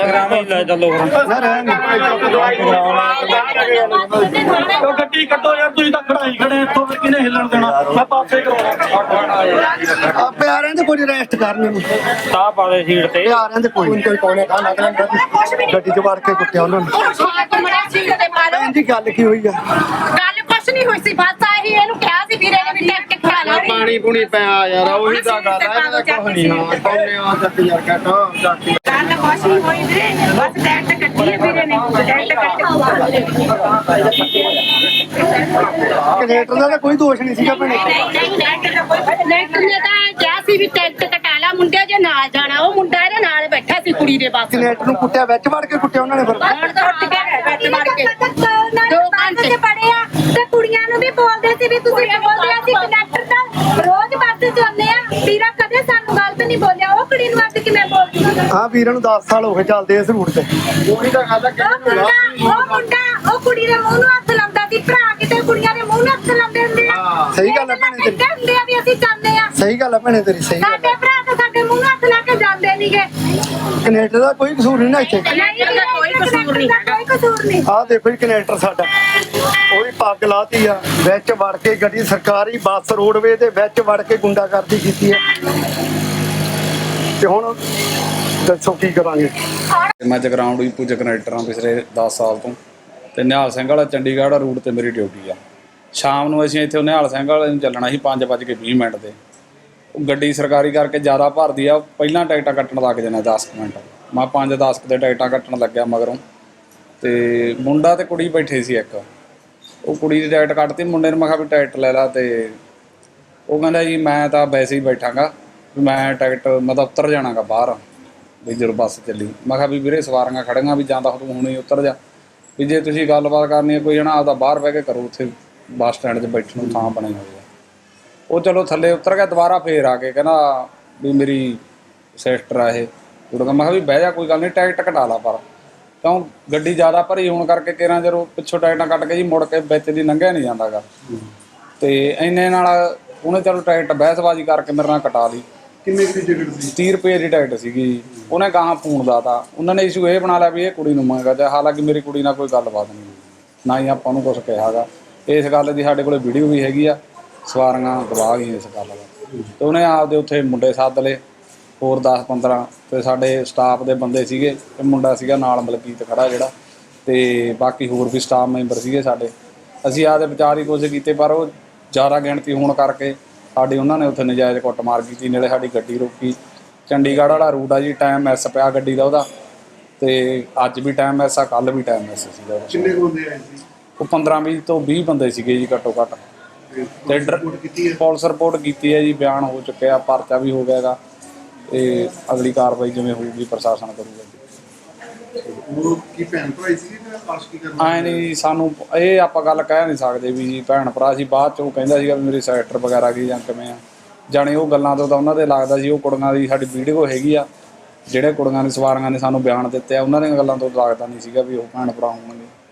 Instagram ਹੀ ਲੈ ਚੱਲੋ ਗੱਡੀ ਕੱਢੋ ਯਾਰ, ਤੁਸੀਂ ਤਾਂ ਖੜਾਈ ਖੜੇ ਇੱਥੋਂ ਫਿਰ ਕਿਹਨੇ ਹਿੱਲਣ ਦੇਣਾ। ਮੈਂ ਪਾਸੇ ਕਰਾਉਣਾ ਆਪੇ ਆ ਰਹੇ ਤੇ ਕੋਈ ਰੈਸਟ ਕਰਨ ਨੂੰ ਸਾਹ ਪਾ ਦੇ ਸੀਟ ਤੇ ਆ ਰਹੇ ਤੇ ਕੋਈ ਕੋਨੇ ਕਾ ਨਾ ਗੱਡੀ ਚ ਵੜ ਕੇ ਕੁੱਟਿਆ ਉਹਨਾਂ ਨੂੰ। ਭੈਣ ਜੀ ਗੱਲ ਕੀ ਹੋਈ ਆ? ਗੱਲ ਕੁਛ ਨਹੀਂ ਹੋਈ ਸੀ, ਬਸ ਆਹੀ ਇਹਨੂੰ ਕਿਹਾ ਸੀ ਵੀਰੇ ਨੇ ਵੀ ਟੈਕ ਖਾ ਲਾ ਪਾਣੀ ਪੂਣੀ ਪਿਆ ਯਾਰ, ਉਹੀ ਤਾਂ ਗੱਲ ਆ। ਇਹਦਾ ਕੁਝ ਨਹੀਂ ਹਾਂ ਕੋਨੇ ਆ ਜੱਟ ਯਾਰ ਕਹਤਾ ਜੱਟ ਗੱਲ ਕੁਛ ਨਹੀਂ ਹੋਈ ਵੀਰੇ, ਬਸ ਟੈਕ ਕੱਢੀ ਹੈ ਵੀਰੇ ਨੇ, ਟੈਕ ਕਨੇਟਰ ਦਾ ਤਾਂ ਕੋਈ ਦੋਸ਼ ਨਹੀਂ ਸੀਗਾ ਭੈਣੇ। ਲੈਟਰ ਨੇ ਤਾਂ ਕਿਹਾ ਸੀ ਵੀ ਟੈਕ ਕਟਾ ਲਾ, ਮੁੰਡੇ ਜੇ ਨਾਲ ਜਾਣਾ, ਉਹ ਮੁੰਡਾ ਇਹਦੇ ਨਾਲ ਬੈਠਾ ਸੀ ਕੁੜੀ ਦੇ ਬਸ। ਕਨੇਟਰ ਨੂੰ ਕੁੱਟਿਆ, ਵਿੱਚ ਵੜ ਕੇ ਕੁੱਟਿਆ ਉਹਨਾਂ ਨੇ ਫਿਰ। ਹੁਣ ਤਾਂ ਉੱਠ ਕੇ ਵਿੱਚ ਵੜ ਕੇ 2 ਘੰਟੇ ਪੜੇ ਆ ਤੇ ਕੁੜੀਆਂ ਨੂੰ ਵੀ ਬੋਲਦੇ ਸੀ ਵੀ ਤੁਸੀਂ ਬੋਲਦੇ ਆ ਸੀ ਕੰਡਕਟਰ ਦਾ ਰੋਜ਼ ਬੱਸ ਚਲਾਉਂਦੇ ਆ, ਵੀਰਾ ਕਦੇ ਸਾਨੂੰ ਗਲਤ ਨਹੀਂ ਬੋਲਿਆ। ਉਹ ਕੁੜੀ ਨੂੰ ਅੱਜ ਕਿਵੇਂ ਬੋਲਦੀ ਹਾਂ ਵੀਰਾਂ ਨੂੰ 10 ਸਾਲ ਹੋ ਗਏ ਚੱਲਦੇ ਇਸ ਰੂਟ ਤੇ। ਉਹੀ ਤਾਂ ਗੱਲ ਆ। ਉਹ ਕੁੜੀ ਦੇ ਮੂੰਹ ਨੂੰ ਹੱਥ ਲਾਉਂਦਾ ਸੀ, ਭਰਾ ਕਿਤੇ ਕੁੜੀਆਂ ਦੇ ਮੂੰਹ ਨੂੰ ਹੱਥ ਲਾਉਂਦੇ ਹੁੰਦੇ ਆ। ਸਹੀ ਗੱਲ ਹੈ ਭੈਣੇ ਤੇਰੀ। ਕਹਿੰਦੇ ਹੁੰਦੇ ਆ ਵੀ ਅਸੀਂ ਚਾਹੁੰਦੇ ਆ। ਸਹੀ ਗੱਲ ਹੈ ਭੈਣੇ ਤੇਰੀ, ਸਹੀ ਗੱਲ ਸਾਡੇ ਭਰਾ ਤਾਂ ਸਾਡੇ ਮੂੰਹ ਨੂੰ ਹੱਥ ਲਾ ਕੇ ਜਾਂਦੇ ਨਹੀਂਗੇ। ਕਨੇਟਰ ਦਾ ਕੋਈ ਕਸੂਰ ਨਹੀਂ ਨਾ ਇੱਥੇ। ਕੋਈ ਕਸੂਰ ਨਹੀਂ ਹੈਗਾ। ਕੋਈ ਕਸੂਰ ਨਹੀਂ। ਆਹ ਦੇਖੋ ਜੀ ਕਨੇਟਰ ਸਾਡਾ, ਉਹੀ ਪੱਗ ਲਾਤੀ ਆ, ਵਿੱਚ ਵੜ ਕੇ ਗੱਡੀ ਸਰਕਾਰੀ ਬੱਸ ਰੋਡਵੇ ਦੇ ਵਿੱਚ ਵੜ ਕੇ ਗੁੰਡਾਗਰਦੀ ਕੀਤੀ ਹੈ। ਤੇ ਹੁਣ ਦੱਸੋ ਕੀ ਕਰਾਂਗੇ। ਮੈਂ ਜਗਰਾਉਂ ਡਿਪੂ 'ਚ ਕਨੈਕਟਰ ਹਾਂ ਪਿਛਲੇ 10 ਸਾਲ ਤੋਂ, ਤੇ ਨਿਹਾਲ ਸਿੰਘ ਵਾਲਾ ਚੰਡੀਗੜ੍ਹ ਰੂਟ ਤੇ ਮੇਰੀ ਡਿਊਟੀ ਆ। ਸ਼ਾਮ ਨੂੰ ਅਸੀਂ ਇੱਥੇ ਨਿਹਾਲ ਸਿੰਘ ਵਾਲੇ ਨੂੰ ਚੱਲਣਾ ਸੀ 5:20 ਤੇ। ਉਹ ਗੱਡੀ ਸਰਕਾਰੀ ਕਰਕੇ ਜ਼ਿਆਦਾ ਭਰਦੀ ਆ, ਪਹਿਲਾਂ ਟਿਕਟਾਂ ਕੱਟਣ ਲੱਗ ਜਾਣਾ 10 ਮਿੰਟ। ਮੈਂ 5:10 ਦੇ ਟਿਕਟਾਂ ਕੱਟਣ ਲੱਗਿਆ ਮਗਰੋਂ, ਤੇ ਮੁੰਡਾ ਤੇ ਕੁੜੀ ਬੈਠੇ ਸੀ ਇੱਕ। ਉਹ ਕੁੜੀ ਦੀ ਟਿਕਟ ਕੱਟਤੀ, ਮੁੰਡੇ ਨੂੰ ਮੈਂ ਕਿਹਾ ਵੀ ਟਿਕਟ ਲੈ ਲਾ, ਤੇ ਉਹ ਕਹਿੰਦਾ ਜੀ ਮੈਂ ਤਾਂ ਵੈਸੇ ਹੀ ਬੈਠਾਂਗਾ, ਵੀ ਮੈਂ ਟਿਕਟ ਮਤਲਬ ਉੱਤਰ ਜਾਣਾਗਾ ਬਾਹਰ ਵੀ ਜਦੋਂ ਬੱਸ ਚੱਲੀ। ਮੈਂ ਕਿਹਾ ਵੀ ਵੀਰੇ ਸਵਾਰੀਆਂ ਖੜੀਆਂ, ਵੀ ਜਾਂਦਾ ਤੂੰ ਹੁਣੇ ਹੀ ਉੱਤਰ ਜਾ, ਵੀ ਜੇ ਤੁਸੀਂ ਗੱਲਬਾਤ ਕਰਨੀ ਹੈ ਕੋਈ ਜਣਾ ਆਪਦਾ ਬਾਹਰ ਬਹਿ ਕੇ ਕਰੋ, ਉੱਥੇ ਬੱਸ ਸਟੈਂਡ 'ਚ ਬੈਠਣ ਨੂੰ ਥਾਂ ਬਣੇ ਹੋਏ ਆ। ਉਹ ਚਲੋ ਥੱਲੇ ਉਤਰ ਗਿਆ, ਦੁਬਾਰਾ ਫੇਰ ਆ ਕੇ ਕਹਿੰਦਾ ਵੀ ਮੇਰੀ ਸਿਸਟਰ ਆ ਇਹ ਕੁੜੀਆਂ। ਮੈਂ ਕਿਹਾ ਵੀ ਬਹਿ ਜਾ, ਕੋਈ ਗੱਲ ਨਹੀਂ ਟਿਕਟ ਕਟਾ ਲਾ, ਪਰ ਕਿਉਂ ਗੱਡੀ ਜ਼ਿਆਦਾ ਭਰੀ ਹੋਣ ਕਰਕੇ ਕਿਹੜਾ ਜਦੋਂ ਪਿੱਛੋਂ ਟਿਕਟਾਂ ਕੱਟ ਕੇ ਜੀ ਮੁੜ ਕੇ ਵਿੱਚ ਦੀ ਲੰਘਿਆ ਨਹੀਂ ਜਾਂਦਾ ਗਾ। ਤੇ ਇੰਨੇ ਨਾਲ ਉਹਨੇ ਚਲੋ ਟਿਕਟ ਬਹਿਸਬਾਜ਼ੀ ਕਰਕੇ ਮੇਰੇ ਨਾਲ ਕਟਾ ਲਈ। ਕਿੰਨੇ ਦੀ ਟਿਕਟ ਸੀ? 30 ਰੁਪਏ ਦੀ ਟਿਕਟ ਸੀਗੀ। ਉਹਨੇ ਗਾਹਾਂ ਫੋਨ ਲਾਤਾ, ਉਹਨਾਂ ਨੇ ਇਸ਼ੂ ਇਹ ਬਣਾ ਲਿਆ ਵੀ ਇਹ ਕੁੜੀ ਨੂੰ ਮੰਗਾ, ਤੇ ਹਾਲਾਂਕਿ ਮੇਰੀ ਕੁੜੀ ਨਾਲ ਕੋਈ ਗੱਲਬਾਤ ਨਹੀਂ, ਨਾ ਹੀ ਆਪਾਂ ਨੂੰ ਕੁਛ ਕਿਹਾ ਗਾ। ਇਸ ਗੱਲ ਦੀ ਸਾਡੇ ਕੋਲ ਵੀਡੀਓ ਵੀ ਹੈਗੀ ਆ, ਸਵਾਰੀਆਂ ਗਵਾਹ ਗਈਆਂ ਇਸ ਗੱਲ ਦਾ। ਤੇ ਉਹਨੇ ਆਪਦੇ ਉੱਥੇ ਮੁੰਡੇ ਸੱਦ ਲਏ ਹੋਰ 10-15, ਤੇ ਸਾਡੇ ਸਟਾਫ ਦੇ ਬੰਦੇ ਸੀਗੇ, ਤੇ ਮੁੰਡਾ ਸੀਗਾ ਨਾਲ ਮਲਕੀਤ ਖੜਾ ਜਿਹੜਾ, ਤੇ ਬਾਕੀ ਹੋਰ ਵੀ ਸਟਾਫ ਮੈਂਬਰ ਸੀਗੇ ਸਾਡੇ। ਅਸੀਂ ਆਪਦੇ ਬਚਾਅ ਦੀ ਕੋਸ਼ਿਸ਼ ਕੀਤੀ, ਪਰ ਉਹ ਜ਼ਿਆਦਾ ਗਿਣਤੀ ਹੋਣ ਕਰਕੇ ਸਾਡੀ ਉਹਨਾਂ ਨੇ ਉੱਥੇ ਨਜਾਇਜ਼ ਕੁੱਟਮਾਰ ਕੀਤੀ, ਨਾਲੇ ਸਾਡੀ ਗੱਡੀ ਰੋਕੀ। ਚੰਡੀਗੜ੍ਹ ਵਾਲਾ ਰੂਟ ਆ ਜੀ, ਟਾਈਮ ਮਿਸ ਪਿਆ ਗੱਡੀ ਦਾ ਉਹਦਾ, ਤੇ ਅੱਜ ਵੀ ਟਾਈਮ ਮਿਸ ਆ, ਕੱਲ੍ਹ ਵੀ ਟਾਈਮ ਮਿਸ ਸੀਗਾ। ਕਿੰਨੇ ਬੰਦੇ ਆਏ ਸੀ? ਉਹ 15-20 ਤੋਂ 20 ਬੰਦੇ ਸੀਗੇ ਜੀ ਘੱਟੋ ਘੱਟ। ਤੇ ਪੁਲਿਸ ਰਿਪੋਰਟ ਕੀਤੀ ਹੈ ਜੀ, ਬਿਆਨ ਹੋ ਚੁੱਕਿਆ, ਪਰਚਾ ਵੀ ਹੋ ਗਿਆ ਗਾ, ਤੇ ਅਗਲੀ ਕਾਰਵਾਈ ਜਿਵੇਂ ਹੋਊਗੀ ਪ੍ਰਸ਼ਾਸਨ ਕਰੂਗਾ। ਕੀ ਭੈਣ ਭਰਾ ਸੀ ਜਾਂ ਆਸ਼ਕੀ ਕਰਨਾ? ਐਂ ਨਹੀਂ, ਸਾਨੂੰ ਇਹ ਆਪਾਂ ਗੱਲ ਕਹਿ ਨਹੀਂ ਸਕਦੇ ਵੀ ਜੀ ਭੈਣ ਭਰਾ ਸੀ। ਬਾਅਦ 'ਚ ਉਹ ਕਹਿੰਦਾ ਸੀਗਾ ਵੀ ਮੇਰੀ ਸਿਸਟਰ ਵਗੈਰਾ ਕੀ ਜਾਂ ਕਿਵੇਂ ਆ, ਜਾਣੀ ਉਹ ਗੱਲਾਂ ਤੋਂ ਤਾਂ ਉਹਨਾਂ ਦੇ ਲੱਗਦਾ ਸੀ। ਉਹ ਕੁੜੀਆਂ ਦੀ ਸਾਡੀ ਵੀਡੀਓ ਹੈਗੀ ਆ, ਜਿਹੜੇ ਕੁੜੀਆਂ ਦੀ ਸਵਾਰੀਆਂ ਨੇ ਸਾਨੂੰ ਬਿਆਨ ਦਿੱਤੇ ਆ, ਉਹਨਾਂ ਦੀਆਂ ਗੱਲਾਂ ਤੋਂ ਲੱਗਦਾ ਨਹੀਂ ਸੀਗਾ ਵੀ ਉਹ ਭੈਣ ਭਰਾ ਹੋਣਗੇ।